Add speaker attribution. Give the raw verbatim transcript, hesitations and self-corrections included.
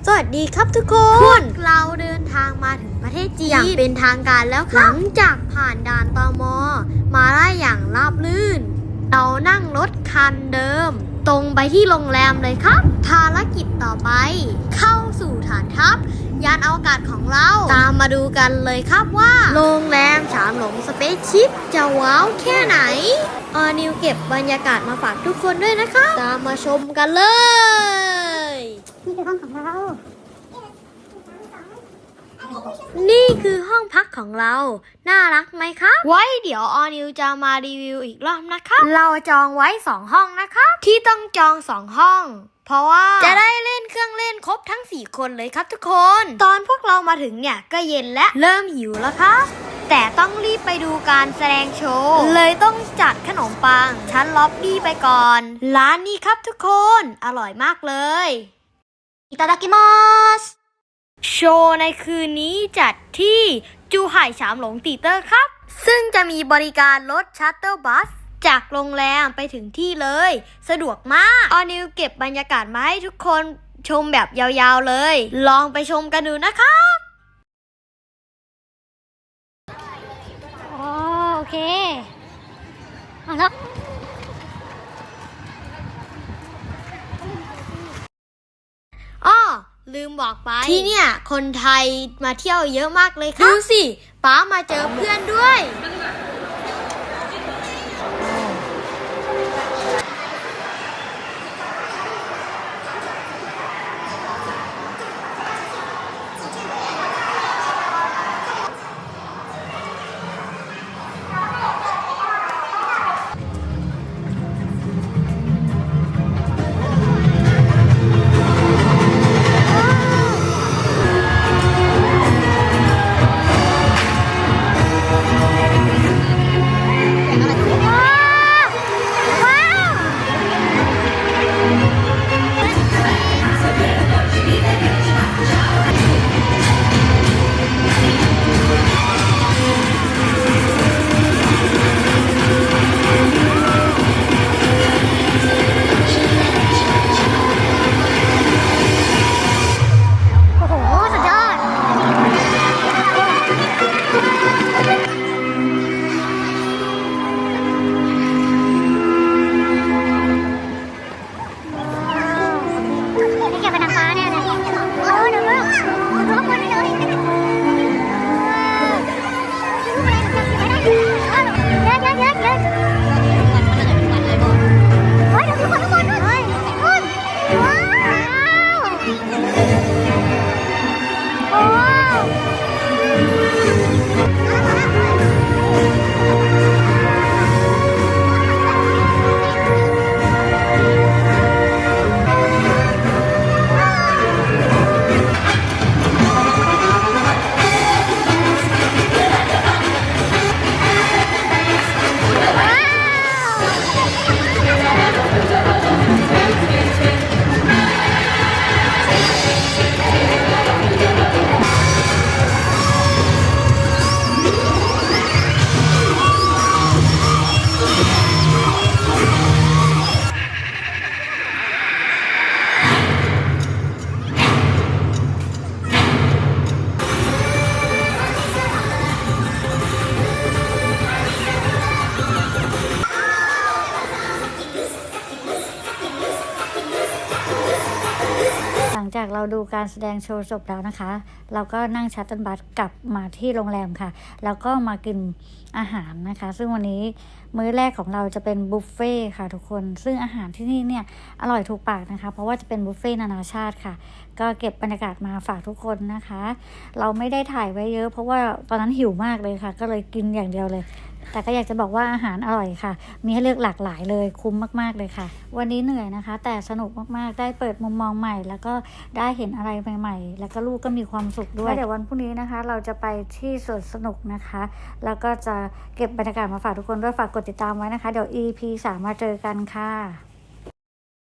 Speaker 1: สวัสดีครับทุกคนพวกเราเดินทางมาถึงประเทศจีนอย่างเป็นทางการแล้วครับหลังจากผ่านด่านตม.มาได้อย่างราบรื่นเรานั่งรถคันเดิมตรงไปที่โรงแรมเลยครับภารกิจต่อไปเข้าสู่ฐานทัพยานอวกาศของเราตามมาดูกันเลยครับว่าโรงแรมฉามหลงสเปซชิพจะว้าวแค่ไหนออนิวเก็บบรรยากาศมาฝากทุกคนด้วยนะคะตามมาชมกันเลย
Speaker 2: นี่คือห้องของเรา
Speaker 1: นี่คือห้องพักของเรา น่ารักไหมครับ ไว้เดี๋ยวออนิวจะมารีวิวอีกรอบนะครับ เราจองไว้สองห้องนะครับ ที่ต้องจองสองห้อง เพราะว่าจะได้เล่นเครื่องเล่นครบทั้งสี่คนเลยครับทุกคน ตอนพวกเรามาถึงเนี่ยก็เย็นและเริ่มหิวแล้วครับ แต่ต้องรีบไปดูการแสดงโชว์ เลยต้องจัดขนมปังชั้นล็อบบี้ไปก่อน ร้านนี้ครับทุกคน อร่อยมากเลยいただきますโชว์ในคืนนี้จัดที่จูไห่ฉามหลงตีเตอร์ครับ ซึ่งจะมีบริการรถชัตเตอร์บัสจากโรงแรมไปถึงที่เลย สะดวกมากออนิวเก็บบรรยากาศมาให้ทุกคนชมแบบยาวๆเลย ลองไปชมกันดูนะครับ
Speaker 2: อ๋อโอเคเอาแล้ว
Speaker 1: อ้อลืมบอกไปที่เนี่ยคนไทยมาเที่ยวเยอะมากเลยครับดูสิป๊ามาเจอเพื่อนด้วย
Speaker 2: หลังจากเราดูการแสดงโชว์จบแล้วนะคะ เราก็นั่งชัตเติลบัสกลับมาที่โรงแรมค่ะ แล้วก็มากินอาหารนะคะ ซึ่งวันนี้มื้อแรกของเราจะเป็นบุฟเฟ่ค่ะทุกคน ซึ่งอาหารที่นี่เนี่ยอร่อยถูกปากนะคะ เพราะว่าจะเป็นบุฟเฟ่นานาชาติค่ะ ก็เก็บบรรยากาศมาฝากทุกคนนะคะ เราไม่ได้ถ่ายไว้เยอะเพราะว่าตอนนั้นหิวมากเลยค่ะ ก็เลยกินอย่างเดียวเลย แต่ก็อยากจะบอกว่าอาหารอร่อยค่ะ มีให้เลือกหลากหลายเลยคุ้มมากๆเลยค่ะ วันนี้เหนื่อยนะคะ แต่สนุกมากๆ ได้เปิดมุมมองใหม่ แล้วก็ได้เห็นอะไรใหม่ๆ แล้วก็ลูกก็มีความสุขด้วยเดี๋ยววันพรุ่งนี้นะคะ เราจะไปที่สวนสนุกนะคะ แล้วก็จะเก็บบรรยากาศมาฝากทุกคนด้วยฝากกดติดตามไว้นะคะ เดี๋ยว อี พี สามมาเจอกันค่ะ